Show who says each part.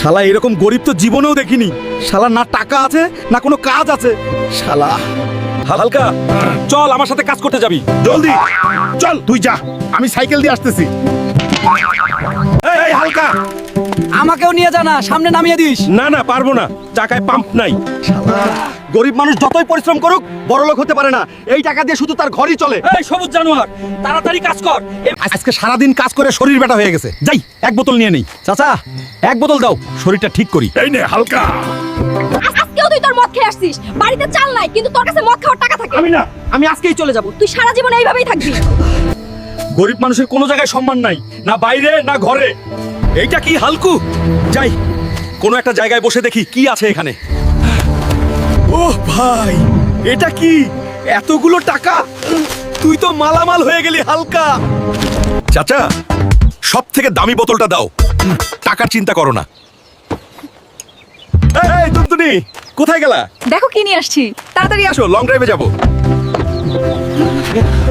Speaker 1: শালা এরকম গরিব তো জীবনেও দেখিনি। শালা না টাকা আছে না কোনো কাজ আছে। শালা হালকা, চল আমার সাথে কাজ করতে যাবি।
Speaker 2: জলদি চল, তুই যা, আমি সাইকেল দিয়ে আসতেছি। এই হালকা,
Speaker 3: আমাকেও নিয়ে যা না, সামনে নামিয়ে দিস।
Speaker 2: না না পারবো না, চাকায় পাম্প নাই।
Speaker 1: গরিব মানুষ যতই পরিশ্রম করুক বড়লোক হতে পারে না। এই টাকা দিয়ে শুধু তার ঘরই চলে।
Speaker 3: এই সবুজ জানোয়ার, তাড়াতাড়ি কাজ কর।
Speaker 1: আজকে সারাদিন কাজ করে শরীর ব্যথা হয়ে গেছে। যাই এক বোতল নিয়ে নেই। চাচা এক বোতল দাও, শরীরটা ঠিক করি।
Speaker 2: এই নে হালকা।
Speaker 4: আজকেও তুই তোর মদ খেয়ে আসছিস। বাড়িতে চাল নাই কিন্তু তোর কাছে মদ খাওয়ার টাকা থাকে।
Speaker 1: আমি আজকেই চলে যাব।
Speaker 4: তুই সারা জীবন এইভাবেই থাকবি।
Speaker 1: গরিব মানুষের কোনো জায়গায় সম্মান নাই, না বাইরে না ঘরে। এইটা কি হালকু? যাই কোনো একটা জায়গায় বসে দেখি কি আছে এখানে। ওহ ভাই, এটা কি এতগুলো টাকা? তুই তো মালামাল হয়ে গেলি হালকা।
Speaker 2: চাচা, সব থেকে দামি বোতলটা দাও, টাকার চিন্তা করো না।
Speaker 1: এই টুনটুনি, কোথায় গেলা?
Speaker 4: দেখো কি নিয়ে আসছি, তাড়াতাড়ি আসো।
Speaker 2: আসো, লং ড্রাইভে যাবো।